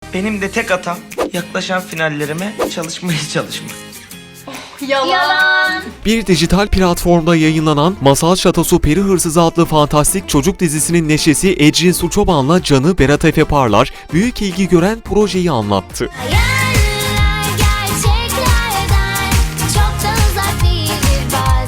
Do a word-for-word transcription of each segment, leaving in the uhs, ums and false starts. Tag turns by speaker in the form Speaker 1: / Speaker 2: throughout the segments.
Speaker 1: Benim de tek hatam yaklaşan finallerime çalışmaya çalışmak.
Speaker 2: Yalan.
Speaker 3: Bir dijital platformda yayınlanan Masal Şatosu Peri Hırsızı adlı fantastik çocuk dizisinin neşesi Ecrin Suçoban'la Canı Berat Efe Parlar büyük ilgi gören projeyi anlattı.
Speaker 2: Hayaller gerçeklerden çok da uzak değildir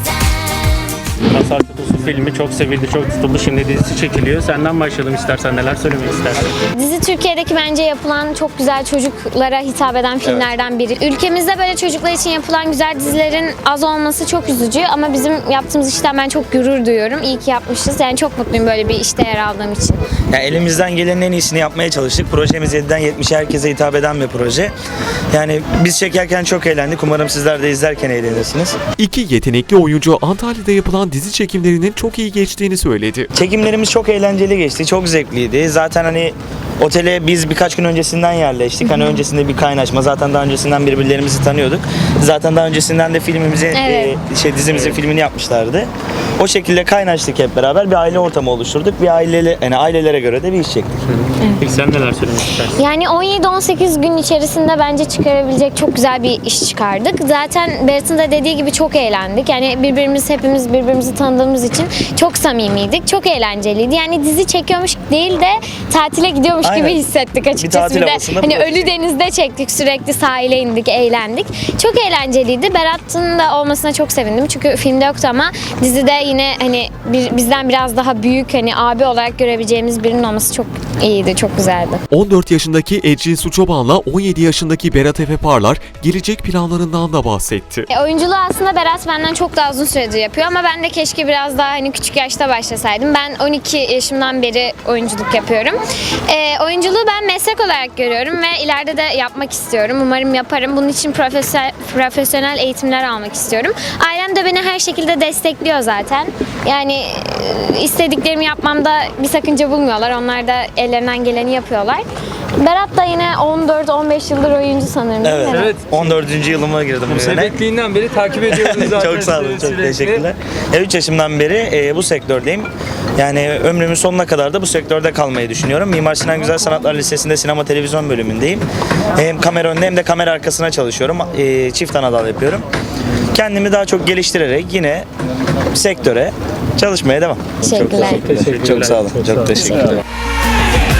Speaker 2: bazen.
Speaker 4: Masal Şatosu filmi çok sevildi, çok tutuldu. Şimdi dizisi çekiliyor. Senden başlayalım istersen. Neler söylemek istersin?
Speaker 5: Dizi Türkiye'deki bence yapılan çok güzel çocuklara hitap eden filmlerden biri. Ülkemizde böyle çocuklar için yapılan güzel dizilerin az olması çok üzücü ama bizim yaptığımız işten ben çok gurur duyuyorum. İyi ki yapmışız. Yani çok mutluyum böyle bir işte yer aldığım için.
Speaker 1: Yani elimizden gelenin en iyisini yapmaya çalıştık. Projemiz yediden yetmişe herkese hitap eden bir proje. Yani biz çekerken çok eğlendik. Umarım sizler de izlerken eğlenirsiniz.
Speaker 3: İki yetenekli oyuncu Antalya'da yapılan dizi çekimlerinin çok iyi geçtiğini söyledi.
Speaker 1: Çekimlerimiz çok eğlenceli geçti. Çok zevkliydi. Zaten hani otele biz birkaç gün öncesinden yerleştik. Hani öncesinde bir kaynaşma. Zaten daha öncesinden birbirlerimizi tanıyorduk. Zaten daha öncesinden de filmimizi,
Speaker 5: Evet.
Speaker 1: e, şey dizimizin filmini yapmışlardı. O şekilde kaynaştık hep beraber. Bir aile ortamı oluşturduk. Bir aileli, yani ailelere göre de bir iş çektik.
Speaker 4: Peki sen neler söylemek istersin?
Speaker 5: Yani on yedi on sekiz gün içerisinde bence çıkarabilecek çok güzel bir iş çıkardık. Zaten Berat'ın da dediği gibi çok eğlendik. Yani birbirimiz hepimiz birbirimizi tanıdığımız için çok samimiydik. Çok eğlenceliydi. Yani dizi çekiyormuş değil de tatile gidiyormuş
Speaker 1: Aynen.
Speaker 5: gibi hissettik açıkçası.
Speaker 1: tatil
Speaker 5: Bir de
Speaker 1: havasında
Speaker 5: hani
Speaker 1: proje.
Speaker 5: Ölü Deniz'de çektik. Sürekli sahile indik, eğlendik. Çok eğlenceliydi. Berat'ın da olmasına çok sevindim. Çünkü filmde yoktu ama dizide yine hani bir, bizden biraz daha büyük hani abi olarak görebileceğimiz birinin olması çok iyiydi, çok güzeldi.
Speaker 3: on dört yaşındaki Ecrin Suçoban'la on yedi yaşındaki Berat Efe Parlar gelecek planlarından da bahsetti.
Speaker 5: E, oyunculuğu aslında Berat benden çok daha uzun süredir yapıyor ama ben de keşke biraz daha hani küçük yaşta başlasaydım. Ben on iki yaşımdan beri oyunculuk yapıyorum. E, oyunculuğu ben meslek olarak görüyorum ve ileride de yapmak istiyorum. Umarım yaparım. Bunun için profesyonel, profesyonel eğitimler almak istiyorum. Ailem de beni her şekilde destekliyor zaten. Yani e, istediklerimi yapmamda bir sakınca bulmuyorlar. Onlar da ellerinden geleni yapıyorlar. Berat da yine on dört on beş yıldır oyuncu sanırım. değil
Speaker 1: Evet.
Speaker 5: mi?
Speaker 6: Evet.
Speaker 1: on dördüncü yılıma girdim bu sene.
Speaker 6: Sebepliğinden beri takip ediyoruz zaten.
Speaker 1: Çok sağ olun, çok
Speaker 6: sürekli.
Speaker 1: teşekkürler. üç yaşımdan beri e, bu sektördeyim. Yani ömrümün sonuna kadar da bu sektörde kalmayı düşünüyorum. Mimar Sinan Güzel Sanatlar Lisesi'nde sinema televizyon bölümündeyim. Hem kamera önünde hem de kamera arkasına çalışıyorum. E, çift ana dal yapıyorum. Kendimi daha çok geliştirerek yine sektöre çalışmaya devam.
Speaker 5: Teşekkürler.
Speaker 1: Çok, çok sağ olun. Çok teşekkürler.